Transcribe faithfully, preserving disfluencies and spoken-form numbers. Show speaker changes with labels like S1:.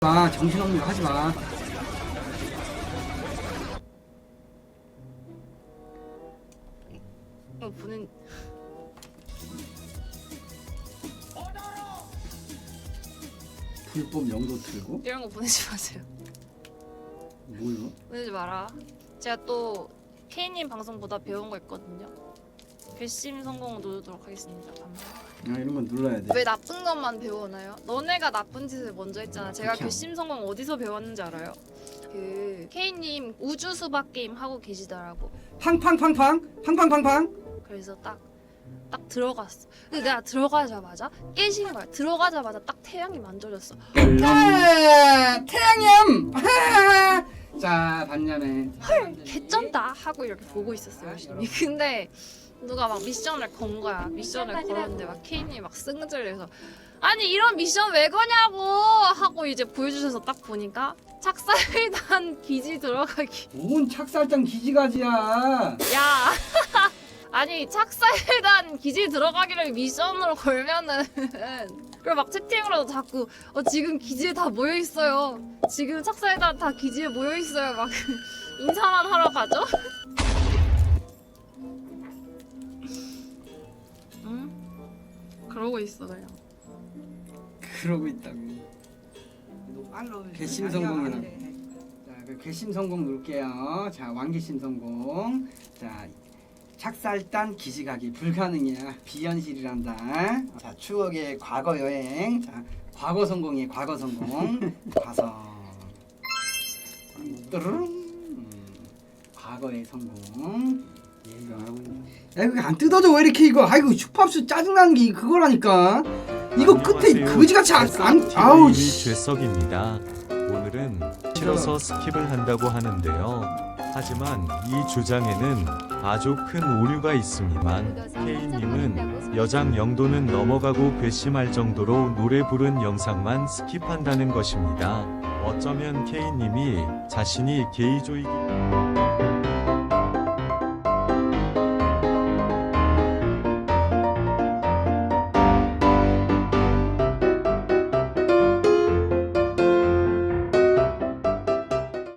S1: 마, 정신없는 거 하지 마.
S2: 이거 보는
S1: 불법 영도 틀고?
S2: 이런 거 보내지 마세요.
S1: 뭐요?
S2: 보내지 마라. 제가 또 케이님 방송보다 배운 거 있거든요. 괘씸 성공 누르도록 하겠습니다. 감사합니다.
S1: 아, 이런 건 눌러야 돼.
S2: 왜 나쁜 것만 배우나요? 너네가 나쁜 짓을 먼저 했잖아. 제가
S1: 그렇게
S2: 괘씸 성공 어디서 배웠는지 알아요? 그 케이님 우주 수박 게임 하고 계시더라고.
S1: 팡팡팡팡! 팡팡팡팡!
S2: 그래서 딱 딱 들어갔어. 근데 내가 들어가자마자 깨지는 거야. 들어가자마자 딱 태양이 만져졌어.
S1: 아, 태양염! 아! 자, 반면에
S2: 개쩐다 하고 이렇게 보고 있었어요 열심히. 근데 누가 막 미션을 건 거야. 미션을 걸었는데 막 케인이 막 승질내서 아니 이런 미션 왜 거냐고 하고 이제 보여주셔서 딱 보니까 착살단 기지 들어가기.
S1: 뭔 착살장 기지가지야.
S2: 야 아니 착살단 기지 들어가기를 미션으로 걸면은 그리고 막 채팅으로도 자꾸 어 지금 기지에 다 모여 있어요. 지금 착살단 다 기지에 모여 있어요. 막 인사만 하러 가죠. 응? 그러고 있어 그냥.
S1: 그러고 있다고. 괘씸 성공이라고. 자, 그 괘씸 성공 누를게요. 자, 왕괘씸 성공. 자, 착살단 기지가기 불가능이야. 비현실이란다. 자, 추억의 과거 여행. 자, 과거 성공이에요. 과거 성공. 가서. 뚜루룽. 음, 과거의 성공. 야, 이거 안 뜯어져 왜 이렇게 이거? 아이고 슈팝스 짜증나는 게 그거라니까. 이거 끝에 그지같이 안, 안 아우 씨.
S3: 죄석입니다. 오늘은 싫어서 스킵을 한다고 하는데요. 하지만 이 주장에는 아주 큰 오류가 있습니다만 K님은 여장 영도는 넘어가고 괘씸할 정도로 노래 부른 영상만 스킵한다는 것입니다. 어쩌면 K님이 자신이 게이조이기